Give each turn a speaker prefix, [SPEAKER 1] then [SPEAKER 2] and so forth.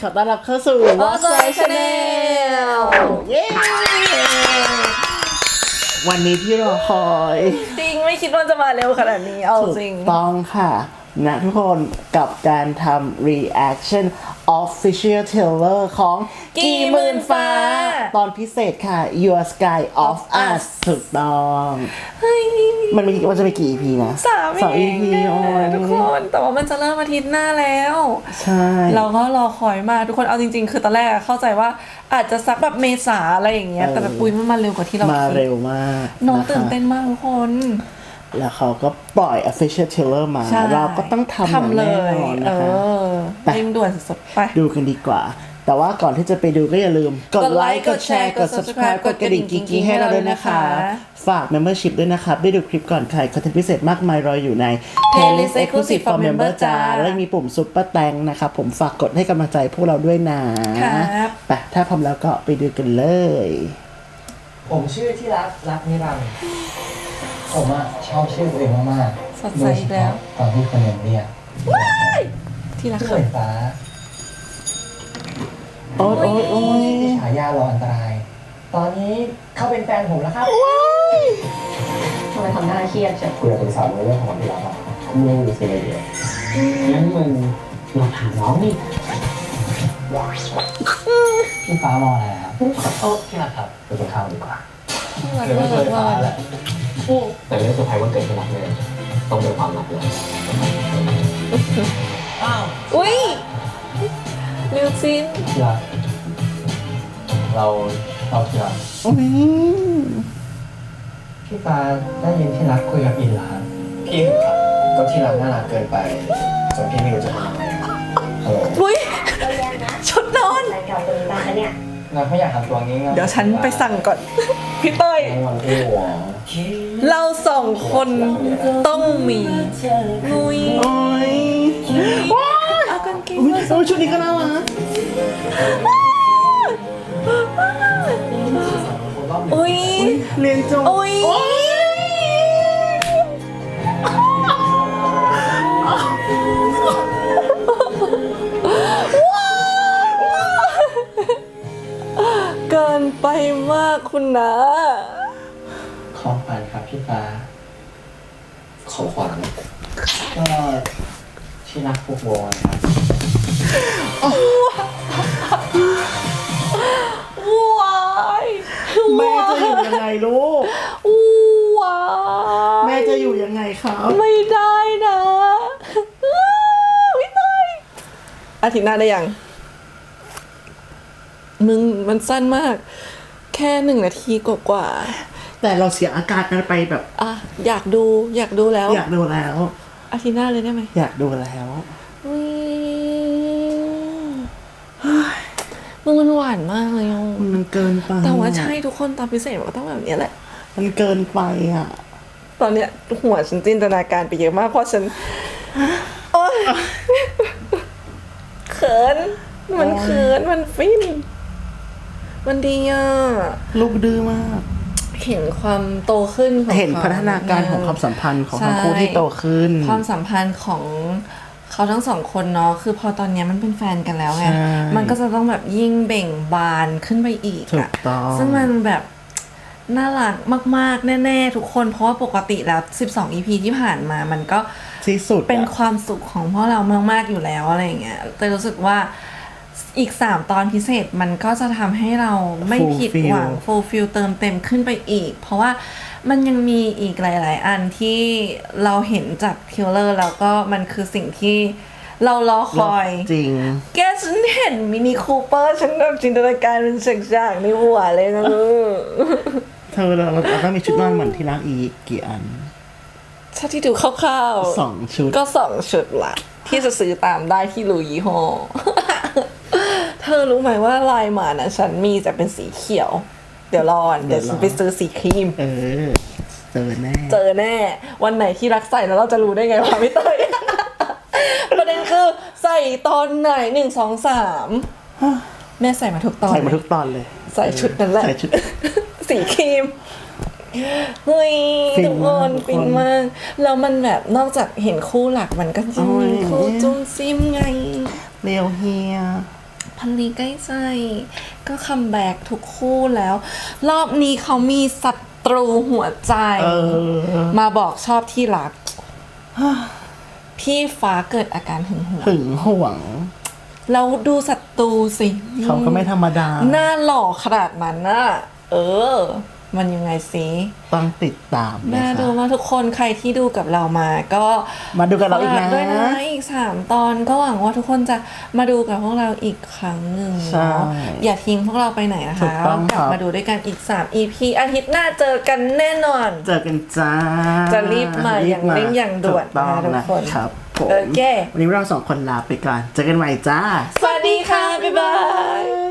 [SPEAKER 1] ขอต้อนรับเข้าสู่
[SPEAKER 2] What's My Channel
[SPEAKER 1] เย้ วันนี้ที่รอคอย
[SPEAKER 2] จริงไม่คิดว่าจะมาเร็วขนาดนี้เอาจริง
[SPEAKER 1] ต้องค่ะนะทุกคนกับการทำ reaction official trailer ของกี่หมื่นฟ้า ตอนพิเศษค่ะ Your Sky of Us ถูกต้องมันจะมีกี่ EP นะ
[SPEAKER 2] 3
[SPEAKER 1] EP โอ้ย
[SPEAKER 2] ทุกคนแต่ว่ามันจะเริ่มอาทิตย์หน้าแล้ว
[SPEAKER 1] ใช่
[SPEAKER 2] เราก็รอคอยมาทุกคนเอาจริงๆ คือตอนแรกเข้าใจว่าอาจจะสักแบบเมษาอะไรอย่างเงี้ยแต่แบบปุ้ยมันมาเร็วกว่าที่เรา
[SPEAKER 1] มา
[SPEAKER 2] คิด
[SPEAKER 1] เร็วมาก
[SPEAKER 2] น้อง
[SPEAKER 1] ะคะ
[SPEAKER 2] ตื่นเต้นมากทุกคน
[SPEAKER 1] แล้วเขาก็ปล่อย official trailer มา
[SPEAKER 2] ใช่
[SPEAKER 1] เราก็ต้องทำ
[SPEAKER 2] เล
[SPEAKER 1] แน่
[SPEAKER 2] ย
[SPEAKER 1] นอนนะคะ ไป
[SPEAKER 2] เร่งด่วนสุดๆไป
[SPEAKER 1] ดูกันดีกว่า แต่ว่าก่อนที่จะไปดูก็อย่าลืมกดไลค์กดแชร์กด subscribe กดกระดิ่งกิ๊งๆให้เราด้วยนะคะ ฝาก membership ด้วยนะครับ ได้ดูคลิปก่อนใครคอนเทนต์พิเศษมากมายรออยู่ใน
[SPEAKER 2] Playlist Exclusive for Member จ้า
[SPEAKER 1] และมีปุ่มซุปเปอร์แตงนะครับผมฝากกดให้กำลังใจพวกเราด้วยนะครับ ไปถ้าพร้อมแล้วก็ไปดูกันเลย
[SPEAKER 3] ผมชื่อที่รักนิรันดร์ผมอะชอบชื่อตัวเองมาก
[SPEAKER 2] สดใสอีกแล้ว
[SPEAKER 3] ตอนที่คนอื่นเรียก
[SPEAKER 2] ที่รัก
[SPEAKER 3] ชื่อเห
[SPEAKER 2] ค่ะ
[SPEAKER 3] มือนฟ้า
[SPEAKER 1] โอ๊ยโอ๊ย
[SPEAKER 3] ที่ฉายารออันตราย ตอนนี้เขาเป็นแฟนผมแล้วครับ
[SPEAKER 4] ทำไมทำหน้าเครียดจัง
[SPEAKER 3] คุยกับปรึกษาเรื่องของที่รักอะไม่รู้สึกอะไรเยอะงั้นมึงลองถามน้องนี่พี่ฟ้ามองอะไรครับโอ้พี่รักครับไปกินข้าวดีกว่า
[SPEAKER 2] ที่รัก
[SPEAKER 3] เดี๋ยว
[SPEAKER 2] มา
[SPEAKER 3] ไม่
[SPEAKER 2] ก
[SPEAKER 3] เคยฟ้าแหละ แต่เรื่องเซอร์ไพรส์วันเกิดที่รักเนี่ยต้องเป็นความลับเลยอ้าว
[SPEAKER 2] อุ้ยลิวจิน
[SPEAKER 3] ที่รักเราที่รัก
[SPEAKER 1] โอ้ย
[SPEAKER 3] พี่ฟ้าได้ยินที่รักคุยกับอินเหรอครับพี่ครับก็ที่รักน่ารักเกินไปจนพี่ไม่รู้จะทำยังไงครับฮัลโหล
[SPEAKER 2] อุ้ย
[SPEAKER 4] ก็แย่นะ
[SPEAKER 2] ชุดนอน
[SPEAKER 4] รายการตัวนี้บ้างนะเนี่ย
[SPEAKER 3] เราไม่อยากทำตัวงี้
[SPEAKER 2] เดี๋ยวฉันไปสั่งก่อน พี่เต้ย
[SPEAKER 3] วันอ้ว
[SPEAKER 2] เราสองคนต้องมีงุย
[SPEAKER 1] โอ้ยว้าย
[SPEAKER 2] เอากางเกง
[SPEAKER 1] อุ๊ย
[SPEAKER 2] มา
[SPEAKER 1] โอ้ยชุดนี้ก็น่ารัก
[SPEAKER 2] อุ้ย
[SPEAKER 1] เรียนจบ
[SPEAKER 2] อุ้ยเกินไปมากคุณนะ
[SPEAKER 3] ของขวัญครับพี่ฟ้าของขวัญก็ที่รักพวกวอนครับ
[SPEAKER 2] ว้าย
[SPEAKER 1] แม่จะอยู่ยังไงลูก
[SPEAKER 2] ว้าย
[SPEAKER 1] แม่จะอยู่ยังไงครับ
[SPEAKER 2] ไม่ได้นะไม่ได้อาทิตย์หน้าได้ยัง มึงมันสั้นมาก แค่1 นาทีกว่า
[SPEAKER 1] แต่เราเสียอาการกันไปแบบ
[SPEAKER 2] ๆอ่ะอยากดูแล้ว
[SPEAKER 1] อยากดูแล้ว
[SPEAKER 2] อาทิตย์หน้าเลยได้ไหม
[SPEAKER 1] อยากดูแล้ว
[SPEAKER 2] อุ๊ยมึงมันหวานมากเลยอ่ะ
[SPEAKER 1] มันเกินไป
[SPEAKER 2] แต่ว่าใช่ทุกคนตอนพิเศษมันก็ต้องแบบนี้แหละ
[SPEAKER 1] มันเกินไปอ่ะ
[SPEAKER 2] ตอนเนี้ยหัวฉันจินตนาการไปเยอะมากเพราะฉันโอ๊ยเขินมันเขินมันฟินมันดีอ่ะ
[SPEAKER 1] ลูกดื้อมาก
[SPEAKER 2] เห็นความโตขึ้นของ
[SPEAKER 1] เห็น
[SPEAKER 2] ข
[SPEAKER 1] พัฒนาการของความสัมพันธ์ของทั้งคู่ที่โตขึ้น
[SPEAKER 2] ความสัมพันธ์ของเขาทั้งสองคนเนาะคือพอตอนเนี้ยมันเป็นแฟนกันแล้วไง
[SPEAKER 1] ใช่
[SPEAKER 2] มันก็จะต้องแบบยิ่งเบ่งบานขึ้นไปอีก
[SPEAKER 1] ถู
[SPEAKER 2] อะ
[SPEAKER 1] กต้อง
[SPEAKER 2] ซึ่งมันแบบน่ารักมากๆแน่ๆทุกคนเพราะว่าปกติแล้ว12 EP ที่ผ่านมามันก็
[SPEAKER 1] ที่สุดอะ
[SPEAKER 2] เป็นความสุขของพวกเรามากๆอยู่แล้วอะไรอย่างเงี้ยแต่รู้สึกว่าอีก3 ตอนพิเศษมันก็จะทำให้เราไม่ผิดหวัง fulfill เติมเต็มขึ้นไปอีก เพราะว่ามันยังมีอีกหลาย ๆ อันที่เราเห็นจากเทรลเลอร์แล้วก็มันคือสิ่งที่เรารอคอย
[SPEAKER 1] จริง
[SPEAKER 2] แกฉันเห็นมินิคูเปอร์ฉันแบบจินตนาการเป็นฉากๆในหัวเลยนะ
[SPEAKER 1] เธอเราต้องมีชุดนอนเหมือนที่รักอีกกี่อัน
[SPEAKER 2] ถ้าที่ดูคร่าวๆ
[SPEAKER 1] 2 ชุด
[SPEAKER 2] ก็2 ชุดละที่จะซื้อตามได้ที่รูยี่ห้อ เธอรู้ไหมว่าลายหมานะฉันมีแต่เป็นสีเขียว เดี๋ยวรอเดี๋ยวฉันไปซื้อสีครีม
[SPEAKER 1] เออ เจอแน่
[SPEAKER 2] เจอแน่ วันไหนที่รักใส่แล้วเราจะรู้ได้ไงวะพี่เต้ย ประเด็นคือใส่ตอนไหน1 2 3 แม่ใส่มาทุกตอน
[SPEAKER 1] ใส่มาทุกตอนเลย
[SPEAKER 2] ใส่ชุดนั้นแหละ
[SPEAKER 1] ใส่ชุด
[SPEAKER 2] สีครีม เฮ้ย
[SPEAKER 1] ฟิน
[SPEAKER 2] ทุกคน
[SPEAKER 1] มากทุกคน
[SPEAKER 2] ฟินมากแล้วมันแบบนอกจากเห็นคู่หลักมันก็จะมี
[SPEAKER 1] โอ้ย
[SPEAKER 2] คู่จุ้มซิมไง
[SPEAKER 1] เรียวเฮีย
[SPEAKER 2] พพันลีใกล้ใจก็คัมแบ็กทุกคู่แล้ว รอบนี้เขามีศัตรูหัวใจ มาบอกชอบที่รัก พี่ฟ้าเกิดอาการหึงหวง
[SPEAKER 1] หึงหวง
[SPEAKER 2] แล้วดูศัตรูสิ
[SPEAKER 1] เขาก็ไม่ธรรมดา
[SPEAKER 2] หน้าหล่อขนาดนั้นน่ะมันยังไงสิ
[SPEAKER 1] ต้องติดตามนะ
[SPEAKER 2] น่าดู
[SPEAKER 1] คะ
[SPEAKER 2] มากทุกคนใครที่ดูกับเรามาก็
[SPEAKER 1] มาดูกับเราอีกนะ
[SPEAKER 2] ฝด้วยนะอีก3 ตอนก็หวังว่าทุกคนจะมาดูกับพวกเราอีกครั้งหนึ่ง
[SPEAKER 1] ใช่
[SPEAKER 2] เนาะอย่าทิ้งพวกเราไปไหนนะ
[SPEAKER 1] ถู
[SPEAKER 2] คะ
[SPEAKER 1] กต้อง
[SPEAKER 2] กลับมาดูด้วยกันอีก3 EP อาทิตย์หน้าเจอกันแน่นอน
[SPEAKER 1] เจอกันจ้า
[SPEAKER 2] จะรีบมาอย่างเร่งอย่างด่วน
[SPEAKER 1] ถูกต้อง
[SPEAKER 2] นะทุกคน
[SPEAKER 1] ครับผม
[SPEAKER 2] โอเค
[SPEAKER 1] วันนี้เรา2 คนลาไปก่อน เจอกันใหม่จ้า
[SPEAKER 2] สวัสดีค่ะ บ๊ายบาย